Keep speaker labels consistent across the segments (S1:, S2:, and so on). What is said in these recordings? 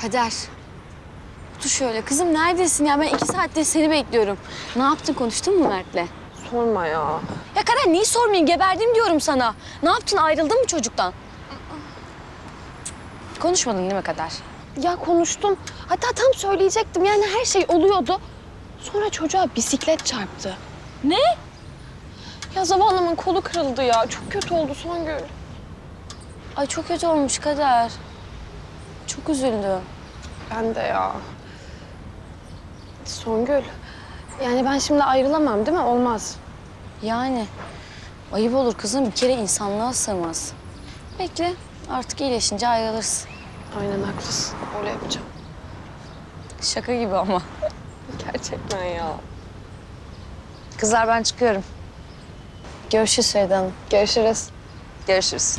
S1: Kader. Dur şöyle. Kızım neredesin ya? Ben 2 saattir seni bekliyorum. Ne yaptın? Konuştun mu Mert'le?
S2: Sorma ya.
S1: Ya Kader niye sormayayım? Geberdim diyorum sana. Ne yaptın? Ayrıldın mı çocuktan? Konuşmadın değil mi Kader?
S2: Ya konuştum. Hatta tam söyleyecektim. Yani her şey oluyordu. Sonra çocuğa bisiklet çarptı.
S1: Ne?
S2: Ya zavallımın kolu kırıldı ya. Çok kötü oldu Songül.
S1: Ay çok kötü olmuş Kader. Çok üzüldüm.
S2: Ben de ya. Songül. Yani ben şimdi ayrılamam değil mi? Olmaz.
S1: Yani ayıp olur kızım. Bir kere insanlığa sığmaz. Bekle. Artık iyileşince ayrılırsın.
S2: Aynen haklısın. Öyle yapacağım.
S1: Şaka gibi ama.
S2: Gerçekten ya.
S1: Kızlar ben çıkıyorum. Görüşürüz Feride Hanım.
S2: Görüşürüz.
S1: Görüşürüz.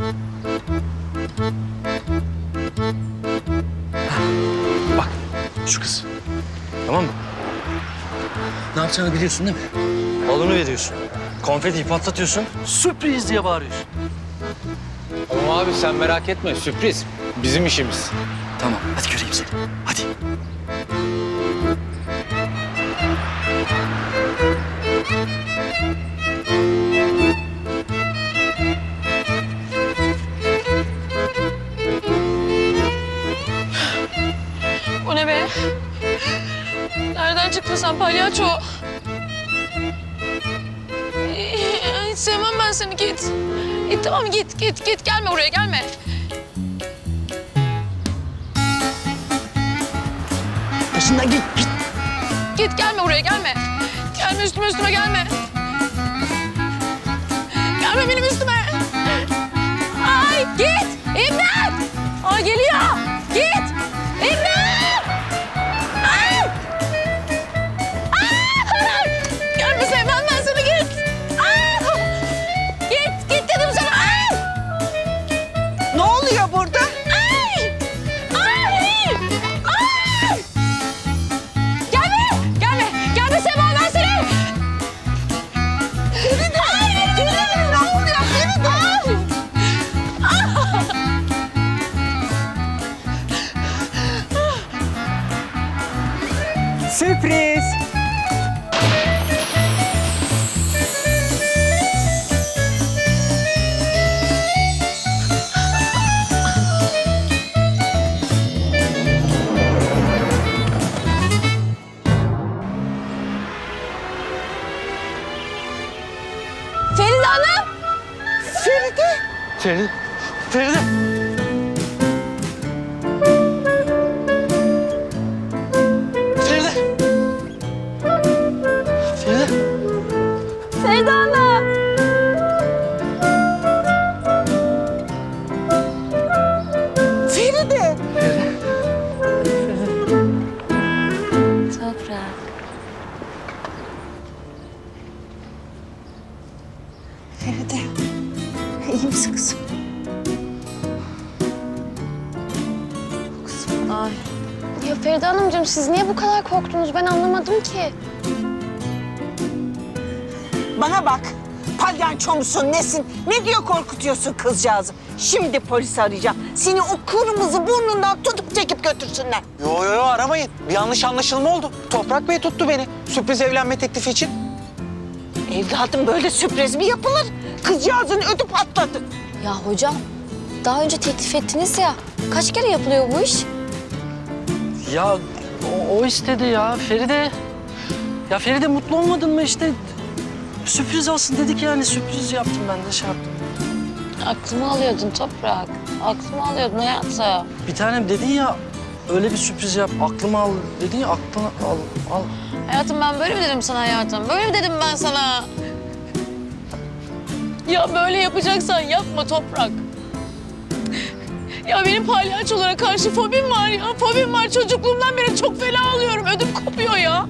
S3: Bak şu kız. Tamam mı? Ne yapacağını biliyorsun değil mi? Balonu veriyorsun. Konfetiyi patlatıyorsun. Sürpriz diye bağırıyorsun.
S4: Ama abi sen merak etme, sürpriz. Bizim işimiz.
S3: Tamam hadi göreyim seni. Hadi.
S2: O ne be? Nereden çıktın sen palyaço? Hiç sevmem ben seni, git. Tamam git. Gelme buraya, gelme.
S3: Başından git.
S2: Git, gelme buraya, gelme. Gelme üstüme gelme. Gelme benim üstüme. Ay git! İmdat! Ay geliyor! Git! İmdat! Ay! Ay! Gelme, sevmem ben seni, git! Ay! Git dedim sana! Ay!
S5: Ne oluyor burada?
S2: Ay! Ay! Ay! Gelme Sema, ben seni!
S5: Ne oluyor? Feride!
S6: Sürpriz.
S1: Feride Hanım!
S5: Feride!
S3: Feride. Feride. Feride.
S1: Feride Hanım!
S5: Feride!
S1: Toprak.
S5: Feride. İyi misin kızım?
S1: Ay.
S2: Ya Feride Hanımcığım, siz niye bu kadar korktunuz? Ben anlamadım ki.
S5: Bana bak. Palyaço musun nesin? Ne diyor korkutuyorsun kızcağızı? Şimdi polisi arayacağım. Seni o kırmızı burnundan tutup çekip götürsünler.
S6: Yo aramayın. Bir yanlış anlaşılma oldu. Toprak Bey tuttu beni. Sürpriz evlenme teklifi için.
S5: Evladım böyle sürpriz mi yapılır? Kızcağızın ödü patladı.
S1: Ya hocam, daha önce teklif ettiniz ya. Kaç kere yapılıyor bu iş?
S3: Ya o istedi ya Feride. Ya Feride mutlu olmadın mı işte? Sürpriz olsun dedik yani sürpriz yaptım ben de şey yaptım.
S1: Aklımı alıyordun Toprak. Aklımı alıyordun hayatım.
S3: Bir tanem dedin ya öyle bir sürpriz yap aklımı al dedin ya aklını al.
S2: Hayatım, ben böyle mi dedim sana hayatım? Böyle mi dedim ben sana? Ya böyle yapacaksan yapma Toprak. Ya benim palyaçolara karşı fobim var ya. Fobim var. Çocukluğumdan beri çok fena alıyorum. Ödüm kopuyor ya.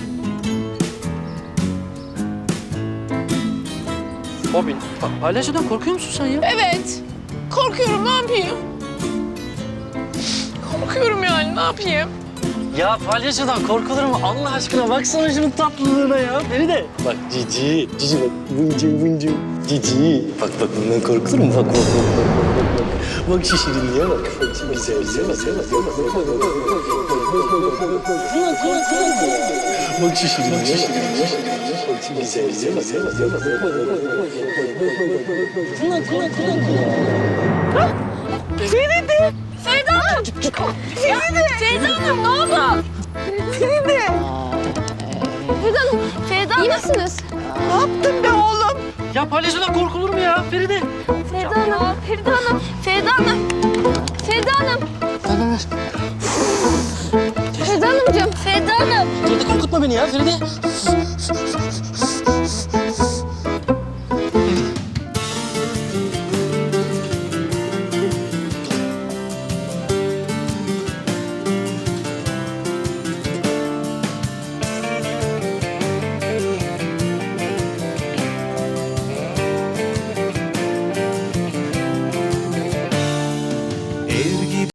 S3: Bobin. Palyaçodan korkuyor musun sen ya?
S2: Evet. Korkuyorum. Ne yapayım? Korkuyorum yani. Ne yapayım?
S3: Ya palyaçodan korkulur mu? Allah aşkına baksana şunun tatlılığına ya. Feride. Bak cici bak. Vıncı. Cici. Bak bundan korkulur mu? Bak. Bak şu şirinliğe bak. Güzel, güzel, güzel. Bak şu şirinliğe bak. Güzel, güzel, güzel.
S1: Feride Hanım! Feride Hanım ne oldu?
S5: Feride,
S2: Feride Hanım, iyi misiniz?
S5: ne yaptın be oğlum?
S3: Ya palyaçodan korkulur mu ya Feride?
S2: Feride Hanım, Feride Hanım, Feride Hanım. Feride Hanım. Feride Hanımcığım.
S1: Feride Hanım!
S3: Feride korkutma beni ya Feride.